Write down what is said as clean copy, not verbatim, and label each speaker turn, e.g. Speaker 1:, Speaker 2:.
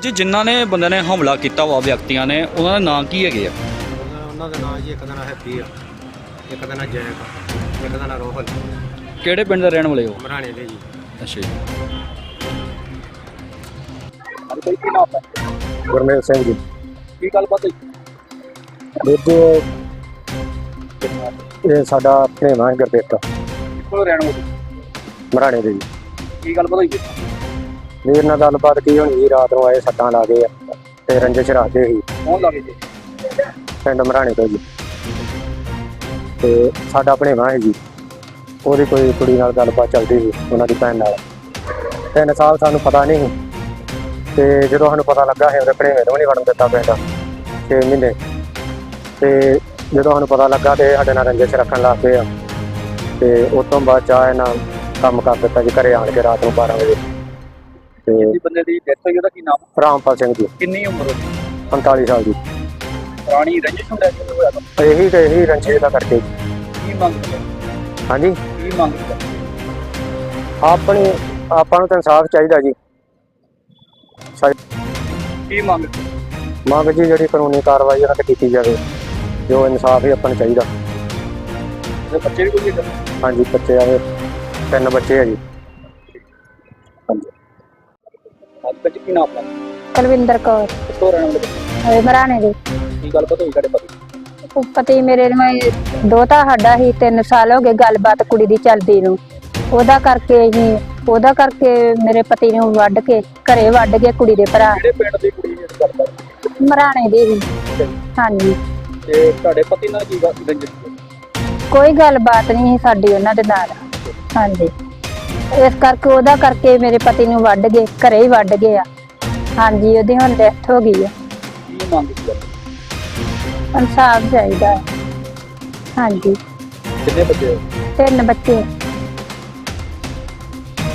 Speaker 1: ਜੀ ਜਿਨ੍ਹਾਂ ਨੇ ਬੰਦੇ ਨੇ ਹਮਲਾ ਕੀਤਾ ਵਾ ਵਿਅਕਤੀਆਂ ਨੇ ਉਹਨਾਂ ਦਾ ਨਾਂ ਕੀ ਹੈਗੇ ਆ?
Speaker 2: ਉਹਨਾਂ ਦਾ ਨਾਂ ਜੀ ਇੱਕ ਦਾ ਨਾਂ ਹੈਪੀ ਆ, ਇੱਕ ਦਾ ਨਾਂ ਜੈਕ ਆ, ਇੱਕ ਦਾ ਨਾਂ ਰੋਹਲ।
Speaker 1: ਕਿਹੜੇ ਪਿੰਡ ਦੇ ਰਹਿਣ ਵਾਲੇ ਹੋ?
Speaker 2: ਮਰਾਣੇ ਦੇ ਜੀ।
Speaker 1: ਅੱਛਾ ਜੀ।
Speaker 2: ਕੀ ਨਾਮ ਹੈ?
Speaker 3: ਗੁਰਮੇਲ ਸਿੰਘ ਜੀ।
Speaker 1: ਕੀ ਗੱਲਬਾਤ ਹੋਈ?
Speaker 3: ਵੀਰ ਜੀ ਇਹ ਸਾਡਾ ਭਣੇਵਾਂ ਹੈ ਗੁਰਦੇਵਤਾ,
Speaker 1: ਕਿੱਥੋਂ ਰਹਿਣ ਵਾਲੇ?
Speaker 3: ਮਰਾਣੇ ਦੇ ਜੀ।
Speaker 1: ਕੀ ਗੱਲਬਾਤ ਹੋਈ?
Speaker 3: ਵੀਰ ਨਾਲ ਗੱਲਬਾਤ ਕੀ ਹੋਣੀ ਜੀ, ਰਾਤ ਨੂੰ ਆਏ ਸੱਟਾਂ ਲਾ ਗਏ ਆ ਤੇ ਰੰਜਿਸ਼ ਰੱਖਦੇ ਸੀ
Speaker 1: ਕੌਣ ਲੱਗੇ ਜੀ?
Speaker 3: ਪਿੰਡ ਮਰਾਣੇ ਤੋਂ ਜੀ। ਤੇ ਸਾਡਾ ਭਣੇਵਾਂ ਹੈ ਜੀ, ਉਹਦੀ ਕੋਈ ਕੁੜੀ ਨਾਲ ਗੱਲਬਾਤ ਚੱਲਦੀ ਸੀ ਉਹਨਾਂ ਦੀ ਭੈਣ ਨਾਲ। 3 ਸਾਲ ਸਾਨੂੰ ਪਤਾ ਨਹੀਂ ਸੀ ਤੇ ਜਦੋਂ ਸਾਨੂੰ ਪਤਾ ਲੱਗਾ ਸੀ ਉਹਦੇ ਭਣੇਵੇਂ ਨੂੰ ਨਹੀਂ ਵੜਨ ਦਿੱਤਾ ਪਿੰਡ 6 ਮਹੀਨੇ। ਤੇ ਜਦੋਂ ਸਾਨੂੰ ਪਤਾ ਲੱਗਾ ਤੇ ਸਾਡੇ ਨਾਲ ਰੰਜਿਸ਼ ਰੱਖਣ ਲੱਗ ਪਏ ਆ ਤੇ ਉਸ ਤੋਂ ਬਾਅਦ ਚਾਹ ਨਾਲ ਕੰਮ ਕਰ ਦਿੱਤਾ ਜੀ ਘਰੇ ਆਣ ਕੇ ਰਾਤ ਨੂੰ 12 ਵਜੇ। ਤੇ
Speaker 1: ਜੀ ਬੰਦੇ ਦੀ ਡੈਥ ਹੋਈ, ਉਹਦਾ ਕੀ ਨਾਮ?
Speaker 3: ਰਾਮਪਾਲ ਸਿੰਘ ਜੀ,
Speaker 1: ਕਿੰਨੀ ਉਮਰ ਹੋਈ?
Speaker 3: 45 ਸਾਲ ਜੀ।
Speaker 1: ਪੁਰਾਣੀ ਰੰਜਿਸ਼ ਹੁੰਦਾ ਕਿ ਹੋਇਆ ਤਾਂ?
Speaker 3: ਇਹੀ ਰੰਜਿਸ਼ ਦਾ ਕਰਕੇ।
Speaker 1: ਕੀ ਮੰਗ ਕਰਦੇ?
Speaker 3: ਹਾਂਜੀ,
Speaker 1: ਕੀ ਮੰਗ ਕਰਦੇ?
Speaker 3: ਆਪਾਂ ਨੂੰ ਤਾਂ ਇਨਸਾਫ ਚਾਹੀਦਾ ਜੀ।
Speaker 1: ਕੀ ਮੰਗ?
Speaker 3: ਮੰਗ ਜੀ ਜਿਹੜੀ ਕਾਨੂੰਨੀ ਕਾਰਵਾਈ ਉਹਨਾਂ ਤੇ ਕੀਤੀ ਜਾਵੇ, ਜੋ ਇਨਸਾਫ ਹੀ ਆਪਾਂ ਨੂੰ ਚਾਹੀਦਾ।
Speaker 1: ਤੇ ਬੱਚੇ ਵੀ ਕੋਈ?
Speaker 3: ਹਾਂਜੀ, ਬੱਚੇ ਆਵੇ 3 ਬੱਚੇ ਆ ਜੀ। ਹਾਂਜੀ।
Speaker 1: ਅੱਜ ਬੱਚੇ ਕੀ ਨਾਮ ਹੈ?
Speaker 4: ਕੁਲਵਿੰਦਰ ਕੌਰ,
Speaker 1: ਕਿੱਥੋਂ ਰਹਿਣ ਵਾਲੇ?
Speaker 4: ਮਰਾਣੇ ਦੇ।
Speaker 1: ਕੀ ਗੱਲਬਾਤ ਹੋਈ ਤੁਹਾਡੇ ਪਤੀ?
Speaker 4: ਪਤੀ ਮੇਰੇ ਨੂੰ ਦੋਤਾ ਸਾਡਾ ਹੀ 3 ਸਾਲ ਹੋ ਗਏ ਗੱਲਬਾਤ ਕੁੜੀ ਦੀ ਚੱਲਦੀ ਨੂੰ। ਉਹਦਾ ਕਰਕੇ ਮੇਰੇ ਪਤੀ ਨੂੰ ਘਰੇ ਵੱਢ ਕੇ ਕੁੜੀ ਦੇ ਭਰਾ।
Speaker 1: ਕਿਹੜੇ ਪਿੰਡ ਦੀ ਕੁੜੀ ਜਿਹੜੀ ਗੱਲਬਾਤ?
Speaker 4: ਮਰਾਣੇ ਦੀ ਹੀ। ਹਾਂਜੀ।
Speaker 1: ਤੇ ਤੁਹਾਡੇ ਪਤੀ ਨਾਲ ਕੀ ਰੰਜਿਸ਼?
Speaker 4: ਕੋਈ ਗੱਲਬਾਤ ਨਹੀਂ ਸੀ ਸਾਡੀ ਉਹਨਾਂ ਦੇ ਨਾਲ। ਹਾਂਜੀ, ਇਸ ਕਰਕੇ ਉਹਦਾ ਕਰਕੇ ਮੇਰੇ ਪਤੀ ਨੂੰ ਘਰੇ ਹੀ ਵੱਢ ਗਏ ਆ। ਹਾਂਜੀ, ਉਹਦੀ ਹੁਣ ਡੈਥ ਹੋ ਗਈ ਆ।
Speaker 1: ਕੀ ਮੰਗ ਕੀਤੀ?
Speaker 4: ਇਨਸਾਫ ਚਾਹੀਦਾ ਹੈ। ਹਾਂਜੀ।
Speaker 1: ਕਿੰਨੇ ਬੱਚੇ?
Speaker 4: 3 ਬੱਚੇ।